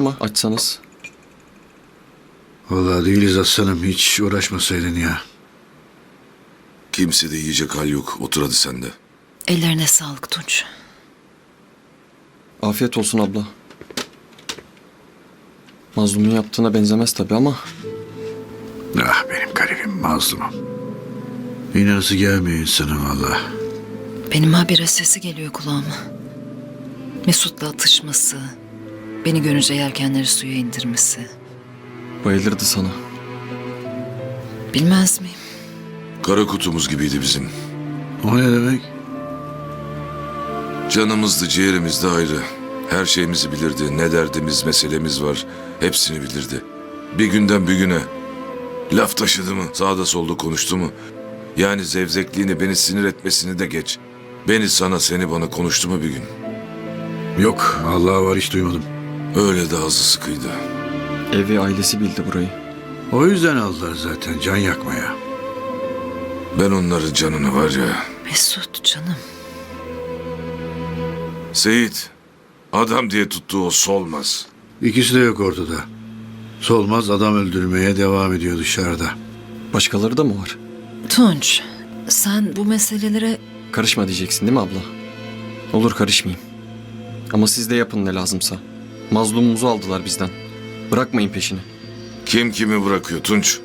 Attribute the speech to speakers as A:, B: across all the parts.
A: ama açsanız.
B: Vallahi değiliz aslanım. Hiç uğraşmasaydın ya.
C: Kimse de yiyecek hal yok. Otur hadi sen de.
D: Ellerine sağlık Tunç.
A: Afiyet olsun abla. Mazlumun yaptığına benzemez tabii ama
B: Ah benim garibim mazlumum. İnanası gelmiyor insana vallahi.
D: Benim habire sesi geliyor kulağıma. Mesut'la atışması, beni görünce yelkenleri suya indirmesi.
A: bayılırdı sana.
D: Bilmez miyim?
C: Kara kutumuz gibiydi bizim.
B: O ne demek?
C: Canımızdı, ciğerimizdi ayrı. Her şeyimizi bilirdi. Ne derdimiz, meselemiz var. Hepsini bilirdi. Bir günden bir güne. Laf taşıdı mı, sağda solda konuştu mu? Yani zevzekliğini, beni sinir etmesini de geç. Beni sana, seni bana konuştu mu bir gün?
B: Yok Allah'a var hiç duymadım.
C: Öyle de ağzı sıkıydı.
A: Evi ailesi bildi burayı.
B: O yüzden aldılar zaten can yakmaya.
C: Ben onların canını var ya.
D: Mesut canım.
C: Seyit, adam diye tuttuğu o solmaz.
B: İkisi de yok ortada. Solmaz adam öldürmeye devam ediyor dışarıda.
A: Başkaları da mı var?
D: Tunç, sen bu meselelere
A: Karışma diyeceksin değil mi abla? Olur karışmayayım. Ama siz de yapın ne lazımsa. Mazlumumuzu aldılar bizden. Bırakmayın peşini.
C: Kim kimi bırakıyor Tunç?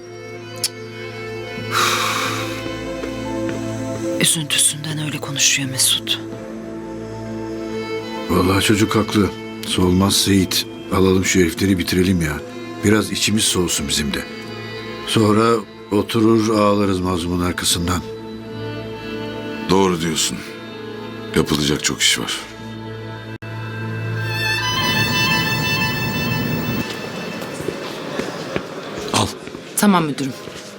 D: üzüntüsünden öyle konuşuyor Mesut.
B: Vallahi çocuk haklı. Solmaz Seyit. Alalım şu herifleri bitirelim ya. Biraz içimiz soğusun bizim de. Sonra oturur ağlarız mazlumun arkasından.
C: Doğru diyorsun. Yapılacak çok iş var.
E: Al.
F: Tamam müdürüm.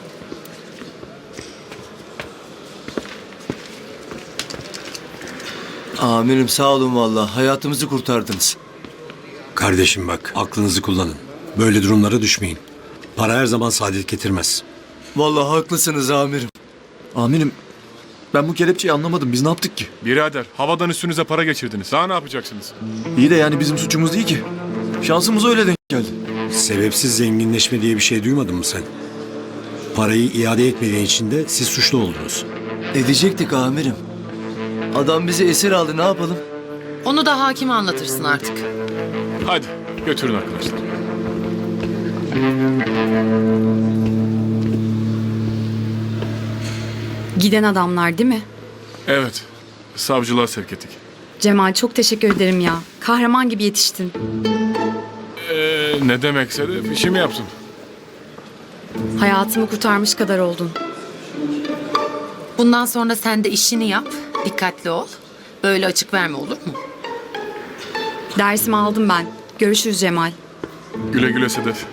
G: Amirim sağ olun vallahi. Hayatımızı kurtardınız.
E: Kardeşim bak aklınızı kullanın. Böyle durumlara düşmeyin. Para her zaman saadet getirmez.
G: Vallahi haklısınız amirim.
H: Amirim, ben bu kelepçeyi anlamadım. Biz ne yaptık ki?
I: Birader, havadan üstünüze para geçirdiniz. Daha ne yapacaksınız?
H: İyi de yani bizim suçumuz değil ki. Şansımız öyle denk geldi.
E: Sebepsiz zenginleşme diye bir şey duymadın mı sen? Parayı iade etmediğin için de siz suçlu oldunuz.
G: Edecektik amirim. Adam bizi esir aldı, ne yapalım?
F: Onu da hakime anlatırsın artık.
I: Hadi, götürün arkadaşlar.
J: Giden adamlar değil mi?
I: Evet, savcılığa sevk ettik.
J: Cemal çok teşekkür ederim ya. Kahraman gibi yetiştin.
I: Ne demekse de işimi yaptım.
J: Hayatımı kurtarmış kadar oldun.
F: Bundan sonra sen de işini yap. Dikkatli ol. Böyle açık verme, olur mu?
J: Dersimi aldım ben. Görüşürüz Cemal.
I: Güle güle Sedef.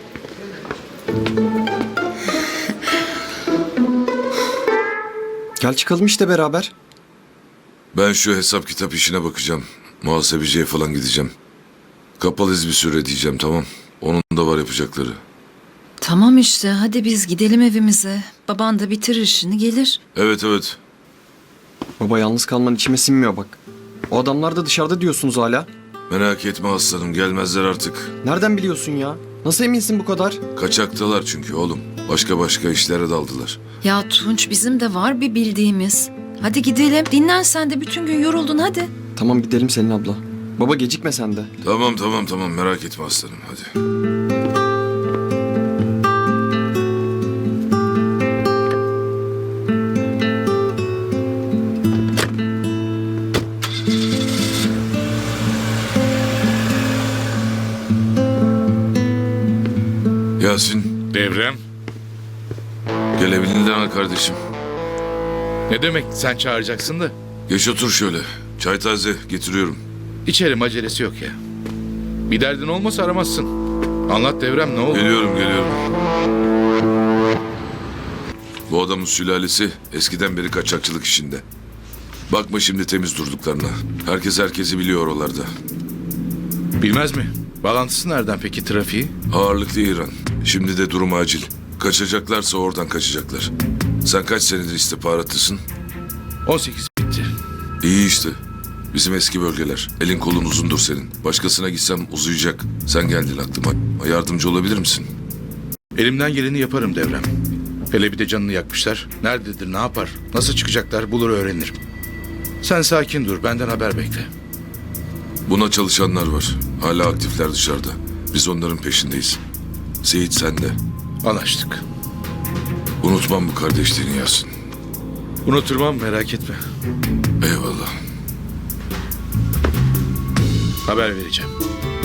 A: Gel çıkalım işte beraber.
C: Ben şu hesap kitap işine bakacağım. Muhasebeciye falan gideceğim. Kapalıyız bir süre diyeceğim, tamam. Onun da var yapacakları.
D: Tamam işte, hadi biz gidelim evimize. Baban da bitirir işini, gelir.
C: Evet evet.
A: Baba yalnız kalman içime sinmiyor bak. O adamlar da dışarıda diyorsunuz hala.
C: Merak etme aslanım, gelmezler artık.
A: Nereden biliyorsun ya? Nasıl eminsin bu kadar?
C: Kaçaktalar çünkü oğlum. Başka işlere daldılar.
D: Ya Tunç, bizim de var bir bildiğimiz. Hadi gidelim. Dinlen sen de, bütün gün yoruldun, hadi.
A: Tamam gidelim Selin abla. Baba gecikme sen de.
C: Tamam merak etme aslanım, hadi. Yasin,
K: Devrem,
C: gelebildin mi kardeşim?
K: ne demek sen çağıracaksın da?
C: Geç otur şöyle. Çay taze, getiriyorum.
K: İçerim, acelesi yok ya. Bir derdin olmasa aramazsın. Anlat Devrem, ne oldu?
C: Geliyorum. Bu adamın sülalesi eskiden beri kaçakçılık işinde. Bakma şimdi temiz durduklarına. Herkes herkesi biliyor oralarda.
K: Bilmez mi? Bağlantısı nereden peki trafiği?
C: Ağırlıklı İran. Şimdi de durum acil. Kaçacaklarsa oradan kaçacaklar. Sen kaç senedir istihbaratlısın?
K: 18 bitti.
C: İyi işte. Bizim eski bölgeler. Elin kolun uzundur senin. Başkasına gitsem uzayacak. Sen geldin aklıma. Yardımcı olabilir misin?
K: Elimden geleni yaparım Devrem. Hele bir de canını yakmışlar. Nerededir, ne yapar, nasıl çıkacaklar bulur öğrenirim. Sen sakin dur, benden haber bekle.
C: Buna çalışanlar var. Hala aktifler dışarıda. Biz onların peşindeyiz. Seyit sen de.
K: Anlaştık.
C: Unutmam bu kardeşliğini Yasin.
K: Unuturmam, merak etme.
C: Eyvallah.
K: Haber vereceğim.